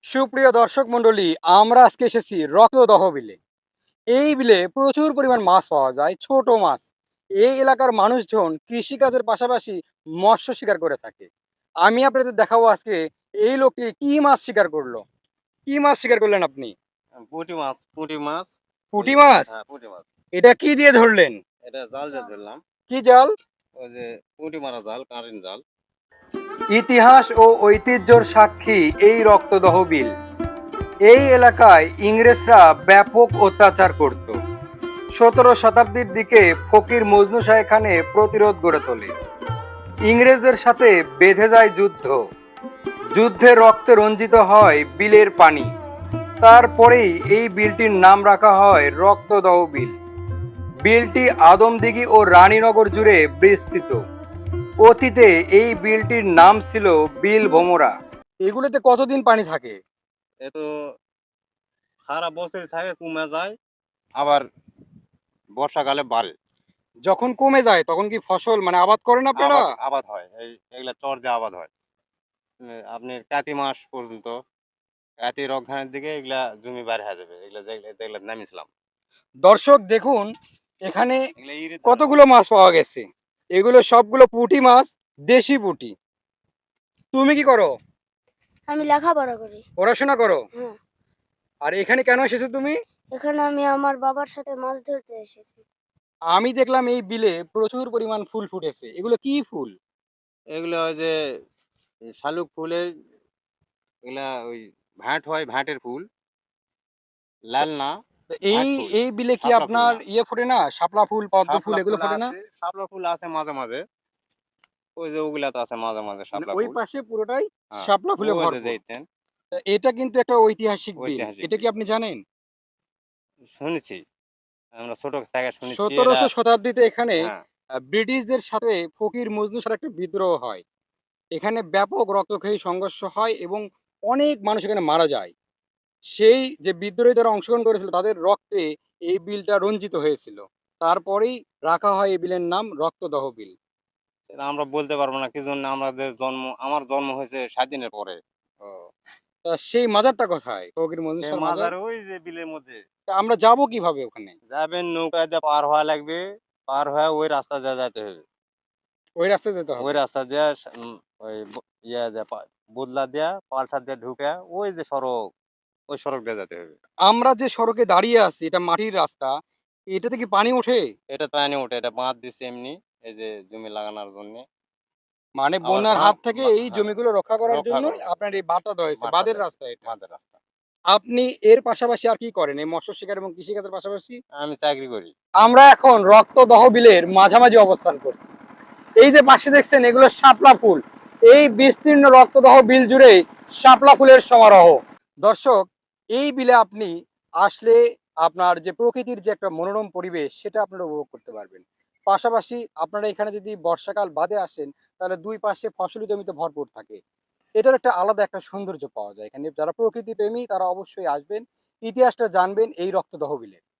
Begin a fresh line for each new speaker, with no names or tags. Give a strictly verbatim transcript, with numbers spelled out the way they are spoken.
সুপ্রিয় দর্শক মণ্ডলী, আমরা আজকে এসেছি রক্তদহ বিলে। এই বিলে প্রচুর পরিমাণ মাছ পাওয়া যায়, ছোট মাছ। এই এলাকার মানুষজন কৃষিকাজের পাশাপাশি মৎস্য শিকার করে থাকে। আমি আপনাদের দেখাবো আজকে এই লোকটি কি মাছ শিকার করলো। কি মাছ শিকার করলেন আপনি?
আ পুঁটি মাছ, পুঁটি মাছ। ওই
পুঁটি মাছ?
হ্যাঁ, পুঁটি মাছ।
এটা কি দিয়ে ধরলেন?
এটা জাল দিয়ে ধরলাম।
কি জাল?
ওই যে পুঁটি মারা জাল, কারেন্ট জাল।
ইতিহাস ও ঐতিহ্যর সাক্ষী এই রক্তদহ বিল। এই এলাকায় ইংরেজরা ব্যাপক অত্যাচার করত। সতেরো শতাব্দীর দিকে ফকির মজনু শাহ এখানে প্রতিরোধ গড়ে তোলে। ইংরেজদের সাথে বেঁধে যায় যুদ্ধ। যুদ্ধে রক্তে রঞ্জিত হয় বিলের পানি। তারপরেই এই বিলটির নাম রাখা হয় রক্তদহ বিল। বিলটি আদমদিঘি ও রানীনগর জুড়ে বিস্তৃত। অতীতে এই বিলটির নাম ছিল বিল ভোমরা। এগুলোতে কতদিন পানি থাকে?
এ তো সারা বছরই থাকে, কমে যায়। আবার বর্ষাকালে বাড়ে।
যখন কমে যায় তখন কি ফসল মানে আবাদ করেন আপনারা?
আবাদ আবাদ হয়। এই এগুলা চর দিয়ে আবাদ হয়। এ আপনার কাতি মাস পর্যন্ত, কাতি রক্ষানের দিকে এগুলা জমি বাইর হয়ে যাবে। এগুলা যেগুলা যেগুলা নামিয়েছিলাম।
দর্শক দেখুন, এখানে
এগুলা ইরির ধান।
কতগুলো মাছ পাওয়া গেছে। এগুলো সবগুলো পুঁটি মাছ, দেশি পুঁটি। তুমি কি করো?
আমি লেখাপড়া করি।
পড়াশোনা করো?
হ্যাঁ।
আর এখানে কেন এসেছো তুমি?
এখানে আমি আমার বাবার সাথে মাছ ধরতে এসেছি।
আমি দেখলাম এই বিলে প্রচুর পরিমাণ ফুল ফুটেছে। এগুলো কি ফুল?
এগুলো ওই যে শালুক ফুলের, এগুলা ওই ভাঁট হয়, ভাঁটের ফুল। লাল না,
তো
ভাঁট
এই
ফুল।
এই বিলে কি
শাপলা ফুল
আপনার
না।
ইয়ে ফোটে না? শাপলা ফুল, পদ্ম ফুল
শাপলা
এগুলো
ফুল
ফোটে না?
আছে, শাপলা ফুল আছে মাঝে, মাঝে। ওই যে ওগুলা তো আছে মাঝে, মাঝে
মানে
শাপলা
ওই
ফুল।
পাশে পুরোটাই
হ্যাঁ,
শাপলা ফুলে
ওই যে
ভরপুর।
দেখছেন
তা এটা কিন্তু একটা ঐতিহাসিক বিল।
ঐতিহাসিক
এটা কি
বিল।
আপনি জানেন?
শুনেছি। আমরা ছোট থেকে শুনেছি এটা।
সতেরোশো শতাব্দীতে এখানে
হ্যাঁ,
আ ব্রিটিশদের সাথে ফকির মজনু শাহর একটা বিদ্রোহ হয়। এখানে ব্যাপক রক্তক্ষয়ী সংঘর্ষ হয় এবং অনেক মানুষ এখানে মারা যায়। সেই যে বিদ্রোহী যারা অংশগ্রহণ করেছিল তাদের রক্তে এই বিলটা রঞ্জিত হয়েছিল। তারপরেই রাখা হয় এই বিলের নাম রক্তদহ বিল।
সেটা আমরা বলতে পারবো না কি জন্য আমাদের জন্ম, আমার জন্ম হয়েছে স্বাধীনের পরে।
ও। তা সেই মাজারটা কোথায়? ফকির মজনু
সে
শাহর মাজার?
মাজার ওই যে বিলের মধ্যে।
তা আমরা যাবো কিভাবে ওখানে?
যাবেন নৌকা দিয়ে পার হওয়া লাগবে। পার হয়ে ওই রাস্তা দিয়ে যাইতে হবে।
ওই রাস্তায় যেতে
ওই
হবে।
রাস্তা দিয়ে সা উম ওই ব ইয়া দিয়ে পা বদলা দিয়া, পাল্টা দিয়ে ঢুকে ওই যে সড়ক, ওই সড়ক দিয়ে যেতে হবে।
আমরা যে সড়কে দাঁড়িয়ে আছি এটা মাটির রাস্তা। এটাতে কি পানি ওঠে?
এটা পানি ওঠে, এটা বাঁধ দিছে এমনি, এই যে জমি লাগানোর জন্যে।
মানে
আবার
বন্যার
বাম
হাত থেকে
বা
এই
হ্যাঁ,
জমিগুলো রক্ষা করার
রক্ষা
জন্যই
করছে।
আপনার এই বাঁধটা দেওয়া হয়েছে।
বাঁধটা
বাঁধের
দেওয়া
রাস্তা এটা।
বাঁধের রাস্তা।
আপনি এর পাশাপাশি আর কি করেন? এই মৎস্য শিকার এবং কৃষিকাজের পাশাপাশি?
আমি চাকরি করি।
আমরা এখন রক্তদহ বিলের মাঝামাঝি অবস্থান করছি। এই যে পাশে দেখছেন এগুলো শাপলা ফুল। এই বিস্তীর্ণ রক্তদহ বিল জুড়ে শাপলা ফুলের সমারোহ। দর্শক, এই বিলে আপনি আসলে আপনার যে প্রকৃতির যে একটা মনোরম পরিবেশ সেটা আপনারা উপভোগ করতে পারবেন। পাশাপাশি আপনারা এখানে যদি বর্ষাকাল বাদে আসেন তাহলে দুই পাশে ফসলি জমিতে ভরপুর থাকে। এটার একটা আলাদা একটা সৌন্দর্য পাওয়া যায়। এখানে যারা প্রকৃতি প্রেমী তারা অবশ্যই আসবেন। ইতিহাসটা জানবেন এই রক্তদহ বিলে।